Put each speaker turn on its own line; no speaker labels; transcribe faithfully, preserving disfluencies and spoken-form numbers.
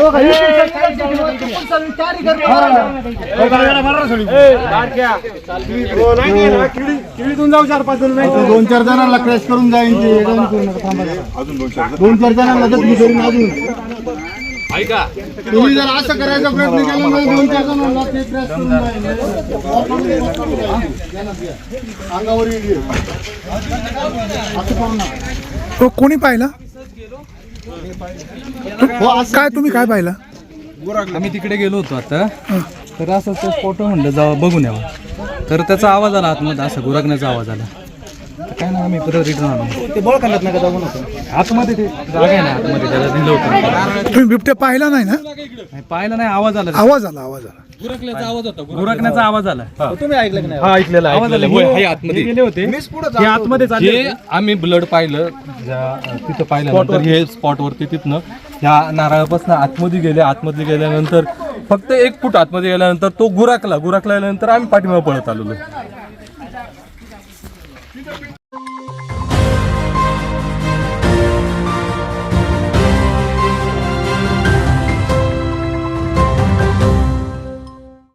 जाऊ चार पाच जण दोन चार जणांना क्रॅश करून जाईल दोन चार जणांना अजून
ऐका
तुम्ही जर असं करायचा प्रयत्न केला ना दोन चार जणांना ते क्रॅश करून जाईल अंगावर येईल
तो कोणी पाहिला काय तुम्ही काय पाहिला
आम्ही तिकडे गेलो होतो आता तर असं ते फोटो म्हणलं जावा बघून यावं तर त्याचा आवाज आला आतमध्ये असा गुरगण्याचा आवाज आला काय ना आम्ही परत रिटर्न आलो
ते बळ करत नाही का जाऊन
आतमध्ये ते जागा आहे ना आतमध्ये त्याला दिलं होतं
तुम्ही बिबट्या पाहिला नाही ना
नाही, पाहिलं नाही आवाज आला
आवाज आला आवाज आला
गुरकण्याचा आवाज आला
तुम्ही ऐकलं की नाही
हा ऐकलेला
आवाज आला
ऐकलेला.
हे आतमध्ये गेले होते हे आतमध्ये चालले
हे आम्ही ब्लड पाहिलं ज्या तिथं पाहिल्यानंतर हे स्पॉटवरती तिथनं ह्या नारळापासून आतमध्ये गेले आतमध्ये गेल्यानंतर फक्त एक फूट आतमध्ये गेल्यानंतर तो गुराकला गुराकल्यानंतर आम्ही पाठीमागे पळत आलेलो